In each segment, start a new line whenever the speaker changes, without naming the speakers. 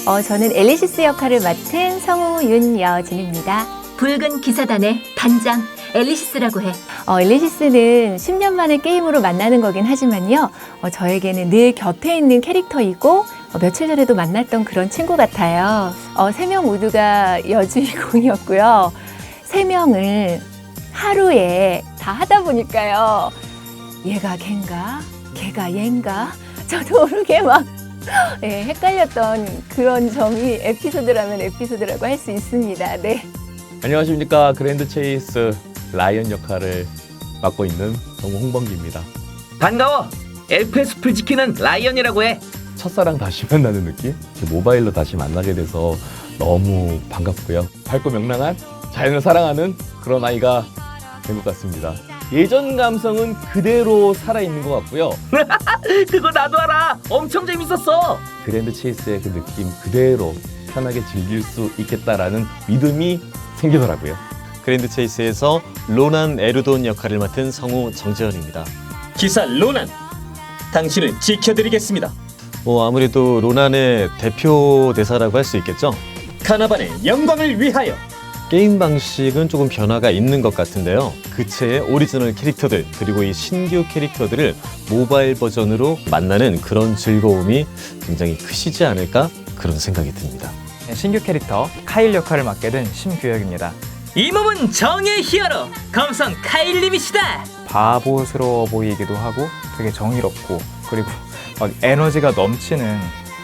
저는 엘리시스 역할을 맡은 성우 윤여진입니다.
붉은 기사단의 단장 엘리시스라고 해.
엘리시스는 10년 만에 게임으로 만나는 거긴 하지만요. 저에게는 늘 곁에 있는 캐릭터이고 며칠 전에도 만났던 그런 친구 같아요. 3명 모두가 여주인공이었고요. 3명을 하루에 다 하다 보니까요. 얘가 걘가? 걔가 얘인가? 저도 모르게 막 헷갈렸던 그런 점이 에피소드라면 에피소드라고 할 수 있습니다. 네.
안녕하십니까. 그랜드 체이스 라이언 역할을 맡고 있는 성우 홍범기입니다.
반가워. 엘프의 숲을 지키는 라이언이라고 해.
첫사랑 다시 만나는 느낌? 모바일로 다시 만나게 돼서 너무 반갑고요. 밝고 명랑한 자연을 사랑하는 그런 아이가 된 것 같습니다. 예전 감성은 그대로 살아있는 것 같고요.
그거 나도 알아. 엄청 재밌었어.
그랜드 체이스의 그 느낌 그대로 편하게 즐길 수 있겠다라는 믿음이 생기더라고요.
그랜드 체이스에서 로난 에르돈 역할을 맡은 성우 정재현입니다.
기사 로난, 당신을 지켜드리겠습니다.
아무래도 로난의 대표 대사라고 할 수 있겠죠?
카나반의 영광을 위하여.
게임 방식은 조금 변화가 있는 것 같은데요. 그체의 오리지널 캐릭터들 그리고 이 신규 캐릭터들을 모바일 버전으로 만나는 그런 즐거움이 굉장히 크시지 않을까 그런 생각이 듭니다.
신규 캐릭터 카일 역할을 맡게 된 심규혁입니다.
이 몸은 정의 히어로 검성 카일님이시다.
바보스러워 보이기도 하고 되게 정의롭고 그리고 막 에너지가 넘치는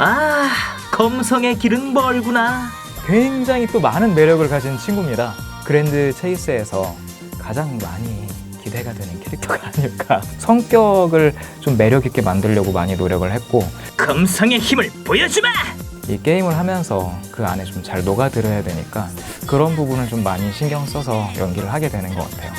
검성의 길은 멀구나.
굉장히 또 많은 매력을 가진 친구입니다. 그랜드 체이스에서 가장 많이 기대가 되는 캐릭터가 아닐까. 성격을 좀 매력 있게 만들려고 많이 노력을 했고
검성의 힘을 보여주마.
이 게임을 하면서 그 안에 좀 잘 녹아들어야 되니까 그런 부분을 좀 많이 신경 써서 연기를 하게 되는 것 같아요.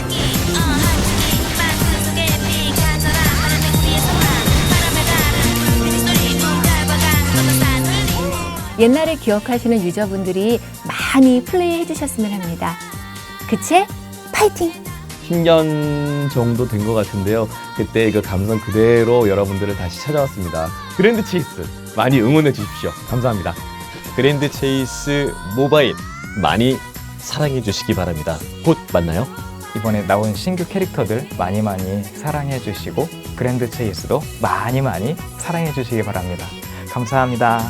옛날에 기억하시는 유저분들이 많이 플레이해 주셨으면 합니다. 그치? 파이팅!
10년 정도 된 것 같은데요. 그때 그 감성 그대로 여러분들을 다시 찾아왔습니다. 그랜드 체이스 많이 응원해 주십시오. 감사합니다.
그랜드 체이스 모바일 많이 사랑해 주시기 바랍니다. 곧 만나요.
이번에 나온 신규 캐릭터들 많이 사랑해 주시고 그랜드 체이스도 많이 사랑해 주시기 바랍니다. 감사합니다.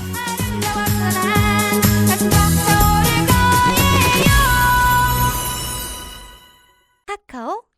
카카오